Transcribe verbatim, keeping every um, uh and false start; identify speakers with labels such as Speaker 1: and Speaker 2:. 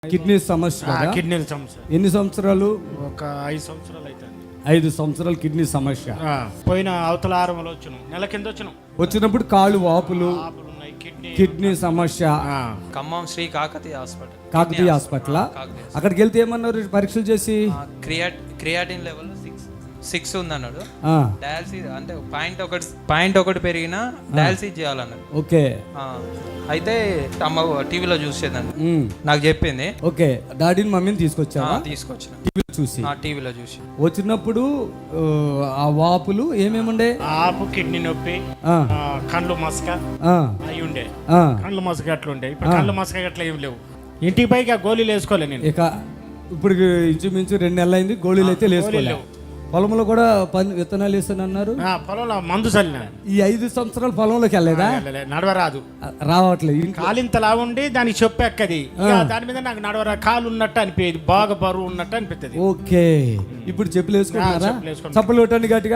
Speaker 1: Kidney సమస్య కదా?
Speaker 2: కిడ్నీల సమస్య
Speaker 1: ఎన్ని సంవత్సరాలు?
Speaker 2: ఒక ఐదు సంవత్సరాలు అయితే
Speaker 1: ఐదు సంవత్సరాలు కిడ్నీ సమస్య.
Speaker 2: పోయిన అవతల ఆరంలో వచ్చాను, నెల కింద వచ్చాను.
Speaker 1: వచ్చినప్పుడు కాళ్ళు వాపులు,
Speaker 2: ఆపులు ఉన్నాయి, కిడ్నీ
Speaker 1: కిడ్నీ సమస్య.
Speaker 3: Khammam Sri Kakatiya hospital
Speaker 1: Kakatiya hospital. అక్కడికి వెళ్తే ఏమన్నారు పరీక్షలు చేసి?
Speaker 3: క్రియాట్ క్రియాటిన్ లెవెల్ సిక్స్ సిక్స్ ఉందన్నాడు.
Speaker 1: ఆ,
Speaker 3: డయాలసిస్ అంటే పాయింట్ ఒకటి పాయింట్ ఒకటి పెరిగినా డయాలసిస్ చేయాలన్నాడు.
Speaker 1: ఓకే.
Speaker 3: ఆ, అయితే అమ్మ టీవీలో చూసేదండి,
Speaker 1: ఉమ్,
Speaker 3: నాకు చెప్పింది.
Speaker 1: ఓకే. డాడీని మమ్మీని తీసుకొచ్చా
Speaker 3: తీసుకొచ్చిన
Speaker 1: టీవీలో చూసి.
Speaker 3: టీవీలో చూసి
Speaker 1: వచ్చినప్పుడు ఆ, ఆ వాపులు ఏమేముండే?
Speaker 2: ఆపు, కిడ్నీ నొప్పి,
Speaker 1: ఆ,
Speaker 2: ఆ, కండ్లు మసక
Speaker 1: ఆ,
Speaker 2: అవి ఉండే.
Speaker 1: ఆ.
Speaker 2: కండ్లు మసక అట్లా ఉండే. ఇప్పుడు కండ్లు మసక అట్లా ఏం లేవు. ఇంటికి పైకి ఆ గోళీలు వేసుకోలే నేను.
Speaker 1: ఇక ఇప్పుడు ఇంచుమించు రెండు నెలలు అయింది, గోళీలు అయితే లేసుకోలేవు. పొలంలో కూడా పని విత్తనాలు వేస్తాను అన్నారు.
Speaker 2: ఆ, పొలంలో మందు చల్లిన.
Speaker 1: ఈ ఐదు సంవత్సరాలు పొలంలోకి వెళ్ళలేదా?
Speaker 2: నడవరాదు,
Speaker 1: రావట్లేదు.
Speaker 2: కాలింతలా ఉండి దానికి చెప్పు ఎక్కది. ఇక దాని మీద నాకు నడవరా, కాలు ఉన్నట్టు అనిపించేది, బాగా బరువు ఉన్నట్టు అనిపిస్తుంది.
Speaker 1: ఓకే. ఇప్పుడు చెప్పులు వేసుకుంటున్నారా?
Speaker 2: చెప్పులు వేసుకుంటున్నా.
Speaker 1: చప్పలు కొట్టండి గట్టిగా.